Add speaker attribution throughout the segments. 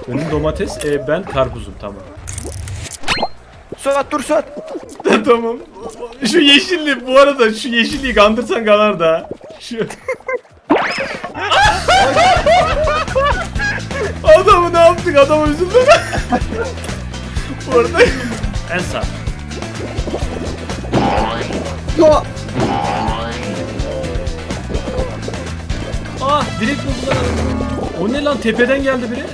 Speaker 1: Önüm domates, ben karpuzum, tamam.
Speaker 2: Suat dur Suat.
Speaker 1: Tamam. Şu yeşilli, bu arada şu yeşilliği kandırsan kanar da. Şu. Adamı ne yaptık? Adamı üzüldüm. Orada. En sağ. Direkt buldular. O ne lan? Tepeden geldi biri.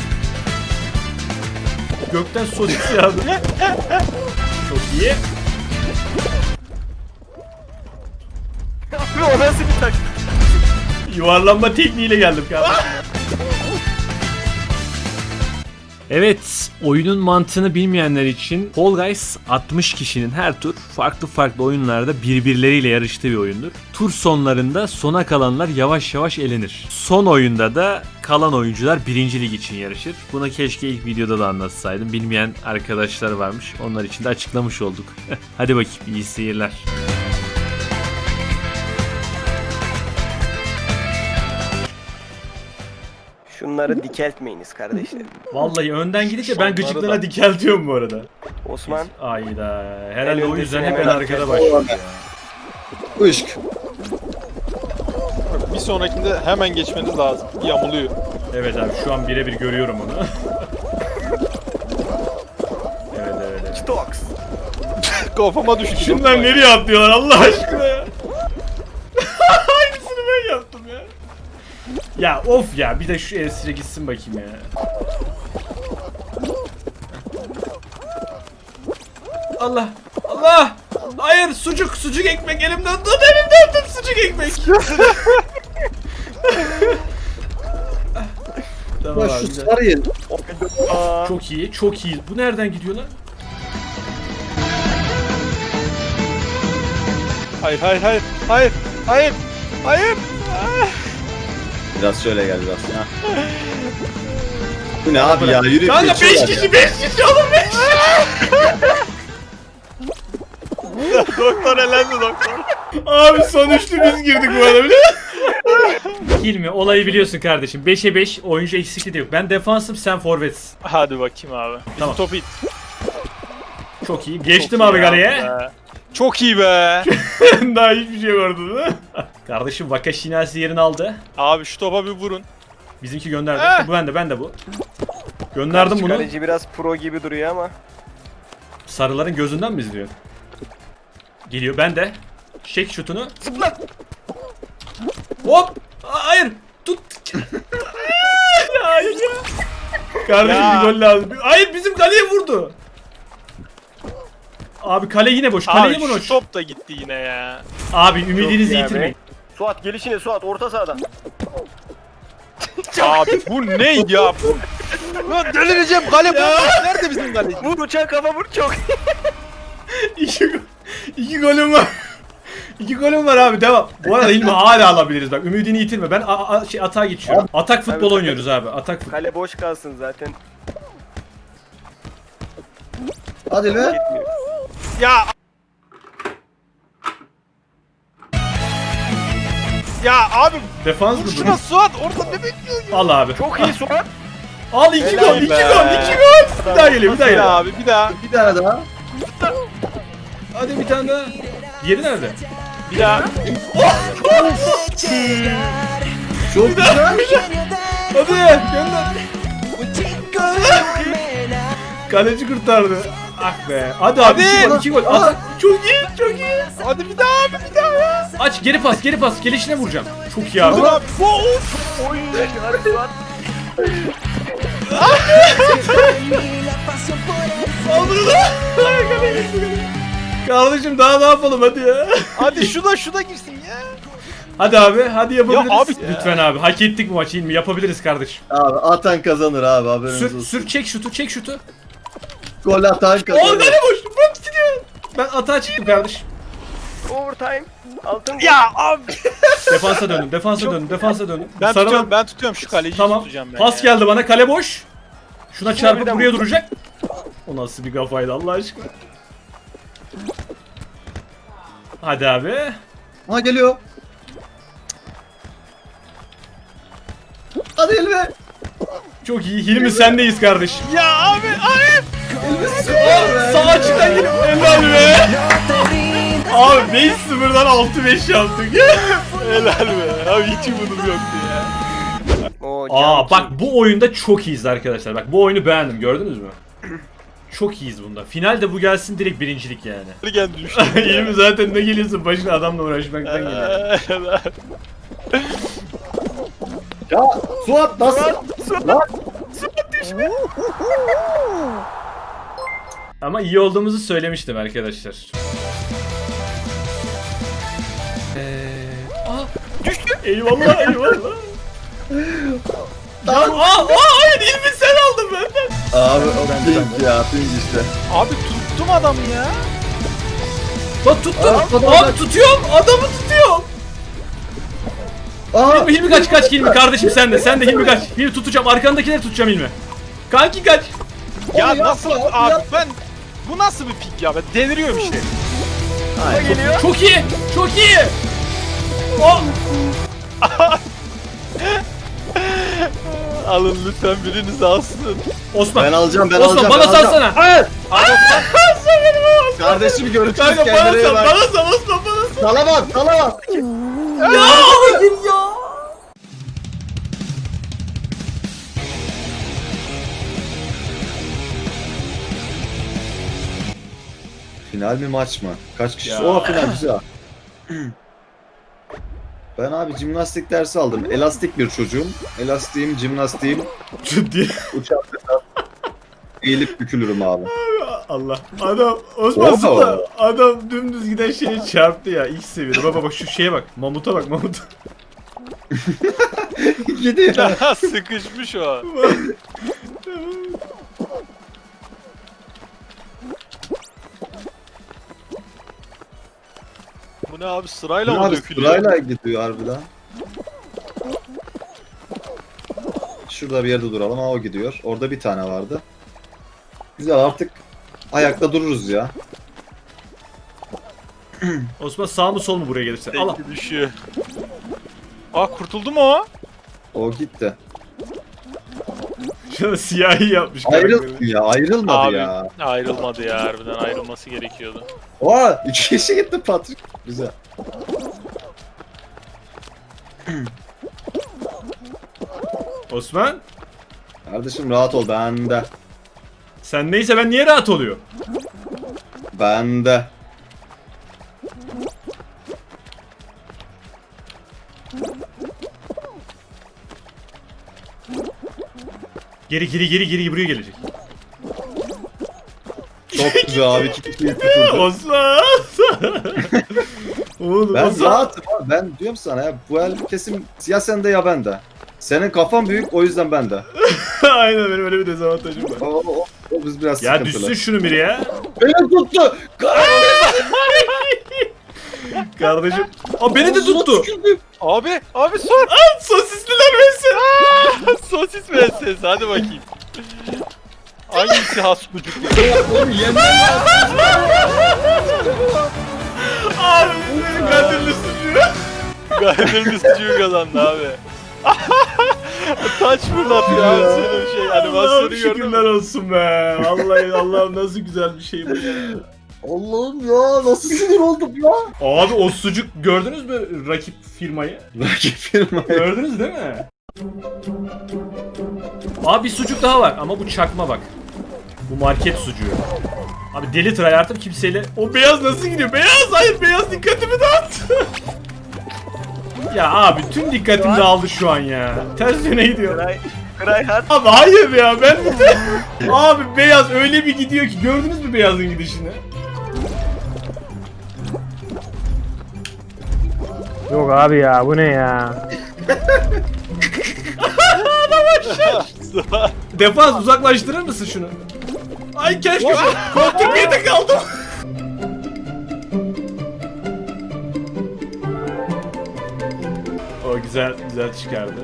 Speaker 1: Gökten sosis yağdı. Çok iyi.
Speaker 2: Abi o nasıl bir tak?
Speaker 1: Yuvarlanma tekniğiyle geldim kardeşim. Evet, oyunun mantığını bilmeyenler için Fall Guys 60 kişinin her tur farklı oyunlarda birbirleriyle yarıştığı bir oyundur. Tur sonlarında sona kalanlar yavaş yavaş elenir. Son oyunda da kalan oyuncular 1. lig için yarışır. Buna keşke ilk videoda da anlatsaydım. Bilmeyen arkadaşlar varmış. Onlar için de açıklamış olduk. Hadi bakayım, iyi seyirler.
Speaker 2: Şunları dikeltmeyiniz kardeşlerim.
Speaker 1: Vallahi önden gidince ben gıcıklığına dikeltiyorum bu arada.
Speaker 2: Osman.
Speaker 1: Ayda. Herhalde o yüzden hep en
Speaker 2: hemen
Speaker 1: arkada başlıyor.
Speaker 3: Işk.
Speaker 4: Bir sonrakinde hemen geçmeniz lazım. Yamuluyor.
Speaker 1: Evet abi, şu an birebir görüyorum onu. Evet.
Speaker 2: Stoks.
Speaker 4: Kafama düştü.
Speaker 1: Şunlar nereye atlıyorlar Allah aşkına ya? Aynısını ben yaptım ya. Ya of ya, bir de şu esire gitsin bakayım ya. Allah! Hayır, sucuk ekmek elimden tut, sucuk ekmek. Tamam
Speaker 3: Ya
Speaker 1: abi,
Speaker 3: şu
Speaker 1: güzel.
Speaker 3: sarı yer.
Speaker 1: Çok iyi. Bu nereden gidiyor lan?
Speaker 4: Hayır.
Speaker 3: Biraz şöyle gel biraz. Ha. Bu ne abi ya? Yürü.
Speaker 1: Kanka 5
Speaker 3: geçiyorlar
Speaker 1: kişi
Speaker 3: ya.
Speaker 1: oğlum 5.
Speaker 4: Doktor elendi doktor.
Speaker 1: Abi son üçlü biz girdik bu arada, biliyor musun? Hilmi, olayı biliyorsun kardeşim. 5'e 5 oyuncu eksikliği de yok. Ben defansım, sen forvetsin.
Speaker 4: Hadi bakayım abi. Bizim
Speaker 1: Tamam.
Speaker 4: topu it.
Speaker 1: Çok iyi. Geçtim
Speaker 4: Çok
Speaker 1: abi
Speaker 4: iyi
Speaker 1: galeye.
Speaker 4: be. Çok iyi be.
Speaker 1: Daha hiçbir şey vardı değil mi? Kardeşim Wakashinasi yerini aldı.
Speaker 4: Abi şu topa bir vurun.
Speaker 1: Bizimki gönderdi. Bu ben de bu. Gönderdim bunu.
Speaker 2: Kaleci biraz pro gibi duruyor ama.
Speaker 1: Sarıların gözünden mi izliyor? Geliyor, ben de. Çek şutunu.
Speaker 2: Zıpla.
Speaker 1: Hop! Hayır! Tut! Ya hayır ya! Kardeşim
Speaker 4: Ya.
Speaker 1: bir gol lazım. Hayır, bizim kaleye vurdu. Abi kale yine boş. Kale yine
Speaker 4: Abi
Speaker 1: boş.
Speaker 4: şu top da gitti yine ya.
Speaker 1: Abi ümidinizi
Speaker 2: Çok iyi
Speaker 1: yitirmeyin.
Speaker 2: Suat gelişine Suat orta sahada.
Speaker 4: Abi bu ne ya? Lan delireceğim, kale bomboş. Nerede bizim kaleci?
Speaker 2: Vur uçan kafa vur çok.
Speaker 1: İki golüm var. 2 golüm var abi, devam. Bu arada İlmi hala alabiliriz bak. Ümidini yitirme. Ben atağa geçiyorum. Atak futbol
Speaker 2: Tabii.
Speaker 1: oynuyoruz abi. Atak futbol.
Speaker 2: Kale boş kalsın zaten.
Speaker 3: Hadi be.
Speaker 2: Gitmiyor.
Speaker 4: Ya. Ya abi
Speaker 1: Defans mı
Speaker 4: vur
Speaker 1: bu?
Speaker 4: şuna Suat, orada ne bekliyorsun?
Speaker 1: Al abi.
Speaker 2: Çok iyi Suat.
Speaker 1: Al 2
Speaker 4: Helal
Speaker 1: gol, 2
Speaker 4: be.
Speaker 1: gol. Bir daha geliyor, bir daha
Speaker 4: Bir
Speaker 1: geliyor.
Speaker 4: daha abi, bir daha.
Speaker 3: Bir tane daha.
Speaker 1: Hadi bir tane daha. Diğeri nerede?
Speaker 4: Bir daha.
Speaker 3: Çok güzel.
Speaker 1: Hadi gönder. Kaleci kurtardı. Ah be. Hadi abi,
Speaker 4: Hadi.
Speaker 1: 2 gol, 2 gol. Atak. Çok iyi.
Speaker 4: Hadi bir daha abi, bir daha ya.
Speaker 1: Aç, geri pas. Gelişine vuracağım. Çok iyi abi.
Speaker 4: Dur abi.
Speaker 2: Oy. Hadi Suat.
Speaker 1: Al bunu da. Kardeşim daha ne yapalım, hadi ya.
Speaker 4: Hadi şu da girsin ya.
Speaker 1: Hadi abi, hadi yapabiliriz.
Speaker 4: Ya abi-
Speaker 1: Lütfen abi, hak ettik bu maçı, İlmi. Yapabiliriz kardeşim.
Speaker 3: Abi atan kazanır abi, haberiniz
Speaker 1: Sür,
Speaker 3: olsun.
Speaker 1: sür, çek şutu.
Speaker 3: Gol atan kazanır.
Speaker 1: Orada ne boş? Bak gidiyor. Ben atağa çıktım kardeşim.
Speaker 2: Overtime. Altın.
Speaker 4: Ya abi.
Speaker 1: Defansa döndüm.
Speaker 4: Ben
Speaker 1: Sarılan-
Speaker 4: tutuyorum şu kaleciyi
Speaker 1: Tamam.
Speaker 4: tutacağım ben
Speaker 1: Pas
Speaker 4: ya.
Speaker 1: geldi bana, kale boş. Şuna çarpıp
Speaker 2: birden
Speaker 1: buraya
Speaker 2: vurdu.
Speaker 1: duracak. O nasıl bir kafaydı Allah aşkına. Hadi abi.
Speaker 3: Ha geliyor. Hadi Elve.
Speaker 1: Çok iyi. Hilmi sendeyiz kardeşim.
Speaker 4: Ya abi.
Speaker 1: Sağ açıktan gelip helal be. Abi 5-0'dan 6-5 yaptık.
Speaker 4: Helal be. Abi hiç umudum yoktu ya.
Speaker 2: Oo,
Speaker 1: Aa bak bu oyunda çok iyiyiz arkadaşlar. Bak bu oyunu beğendim. Gördünüz mü? Çok iyiyiz bunda. Finalde bu gelsin direkt birincilik yani.
Speaker 4: Geldi düştü.
Speaker 1: Hilmi zaten ne geliyorsun başına adamla uğraşmaktan geliyor.
Speaker 4: Helal.
Speaker 3: Ya Suat nasıl? Lan
Speaker 1: Ama iyi olduğumuzu söylemiştim arkadaşlar. Düştü. Eyvallah eyvallah. Hayır Hilmi sen aldın benden.
Speaker 3: abi o pink ya pink işte.
Speaker 4: Abi tuttum adamı ya.
Speaker 1: Bak tuttum.
Speaker 3: Aa,
Speaker 1: Abi tutuyorum. Adamı tutuyorum.
Speaker 3: Aa
Speaker 1: Hilmi kaç Hilmi kardeşim sen de. Sen de Hilmi kaç. Hilmi tutacağım. Arkandakileri tutacağım Hilmi. Kanki kaç.
Speaker 4: Ya
Speaker 3: Onu
Speaker 4: nasıl
Speaker 3: yapma,
Speaker 4: abi
Speaker 3: yapma.
Speaker 4: ben bu nasıl bir pik ya ben deliriyorum işte.
Speaker 2: Ay, geliyor.
Speaker 1: Çok iyi. Çok iyi. Oh.
Speaker 4: Alın lütfen biriniz alsın.
Speaker 1: Osman.
Speaker 3: ben alacağım ben
Speaker 1: Osman
Speaker 3: alacağım.
Speaker 1: bana
Speaker 3: ben alacağım.
Speaker 1: salsana.
Speaker 3: Hayır.
Speaker 1: Sen benim Osman.
Speaker 3: Kardeşim görüşürüz
Speaker 1: Kanka bana
Speaker 3: kendine iyi
Speaker 1: sal.
Speaker 3: bak.
Speaker 1: Bana sal Osman bana sal.
Speaker 3: Salamaz salamaz.
Speaker 1: Ya hayır ya.
Speaker 3: Final mi maç mı? Kaç kişi?
Speaker 1: Ya.
Speaker 3: O final güzel. Ben abi jimnastik dersi aldım. Elastik bir çocuğum. Elastiğim, jimnastiğim,
Speaker 1: Ciddi.
Speaker 3: uçak eğilip bükülürüm abi.
Speaker 1: Allah. Adam Osman
Speaker 3: Oha.
Speaker 1: zıpla. Adam dümdüz giden şeye çarptı ya. İlk seviyede. Baba bak şu şeye bak. Mamuta bak mamuta.
Speaker 3: Gidiyor.
Speaker 4: Sıkışmış o. Bu ne abi sırayla mı
Speaker 3: Abi
Speaker 4: dökülüyor?
Speaker 3: sırayla gidiyor harbiden. Şurada bir yerde duralım. Ha o gidiyor. Orada bir tane vardı. Güzel artık ayakta dururuz ya.
Speaker 1: Osman sağ mı sol mu buraya gelirse? Allah.
Speaker 4: Tekli düşüyor. Aa kurtuldu mu o?
Speaker 3: O gitti.
Speaker 1: Şuna siyahi yapmış karakteri.
Speaker 3: Ayrıldı ya. Ayrılmadı
Speaker 4: Abi
Speaker 3: ya.
Speaker 4: ayrılmadı ya harbiden ayrılması gerekiyordu.
Speaker 3: Oha 2 kişi gitti Patrick. Güzel.
Speaker 1: Osman
Speaker 3: Kardeşim rahat ol. Bende.
Speaker 1: sen neyse ben niye rahat oluyor?
Speaker 3: Bende.
Speaker 1: Geri buraya gelecek.
Speaker 3: Çok güzel abi. 2 kişiyi tuturdu.
Speaker 1: Osman. Oğlum
Speaker 3: Ben
Speaker 1: Osman.
Speaker 3: rahatım abi. Ben diyorum sana ya. Bu el kesim ya sende ya bende. Senin kafan büyük o yüzden bende.
Speaker 1: Aynen benim öyle bir dezavantajım var.
Speaker 3: O biz biraz
Speaker 1: Ya
Speaker 3: sıkıntılı.
Speaker 1: düşsün şunu biri ya.
Speaker 3: Beni tuttu.
Speaker 1: Kardeşim. Aa beni de tuttu.
Speaker 4: Abi sor.
Speaker 1: Sosisliler mesela.
Speaker 4: Sosis müessesi hadi bakayım. Hangisi has sucuk?
Speaker 3: Oğlum yemin
Speaker 1: Abi benim katilli suçu.
Speaker 4: Gayet sucuğu kazandı abi. Taç fırlatıyor abi senin şey
Speaker 1: Allah'ım
Speaker 4: animasyonu gördün
Speaker 1: şükürler
Speaker 4: mü?
Speaker 1: olsun be. Vallahi Allah'ım nasıl güzel bir şey bu ya.
Speaker 3: Allah'ım ya nasıl sinir oldum ya.
Speaker 1: Abi o sucuk gördünüz mü rakip firmayı?
Speaker 3: Rakip firma.
Speaker 1: Gördünüz değil mi? Abi bir sucuk daha var ama bu çakma bak. Bu market sucuğu. Abi deli tryhard'ım kimseyle... O beyaz nasıl gidiyor? Beyaz! Hayır beyaz dikkatimi dağıttı. Ya abi tüm dikkatim dağıldı şu an ya. Ters yöne gidiyor.
Speaker 2: Cry hard.
Speaker 1: Abi hayır ya ben bir de... Abi beyaz öyle bir gidiyor ki gördünüz mü beyazın gidişini?
Speaker 5: Yok abi ya bu ne ya?
Speaker 1: Defans uzaklaştırır mısın şunu? Ay keşke koltuk yedi kaldım. O güzel çıkardı.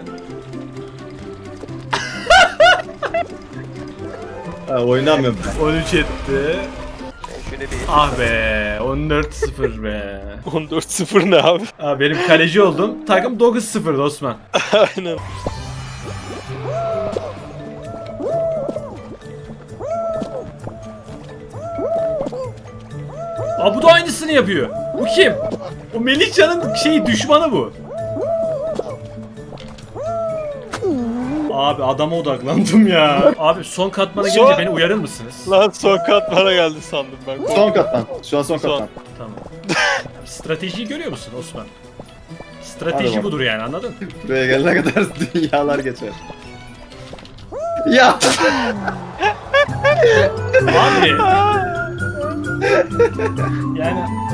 Speaker 3: Ha, oynamıyorum ben.
Speaker 1: 13 etti.
Speaker 2: Şöyle bir
Speaker 1: Ah be 14-0 be.
Speaker 4: 14-0 ne abi?
Speaker 1: Abi benim kaleci oldum. Takım 9-0 Osman.
Speaker 4: Aynen.
Speaker 1: Aa bu da aynısını yapıyor. Bu kim? O Melihcan'ın düşmanı bu. Abi adama odaklandım ya. Abi son katmana gelince
Speaker 4: Son-
Speaker 1: beni uyarır mısınız?
Speaker 4: Lan son kat bana geldi sandım ben.
Speaker 3: Son katman. Şu an son
Speaker 4: Son.
Speaker 3: katman.
Speaker 1: Tamam. Stratejiyi görüyor musun Osman?
Speaker 3: Hadi
Speaker 1: Strateji
Speaker 3: bak.
Speaker 1: budur yani, anladın?
Speaker 3: Buraya gelene kadar dünyalar geçer. Ya!
Speaker 1: Abi. Yani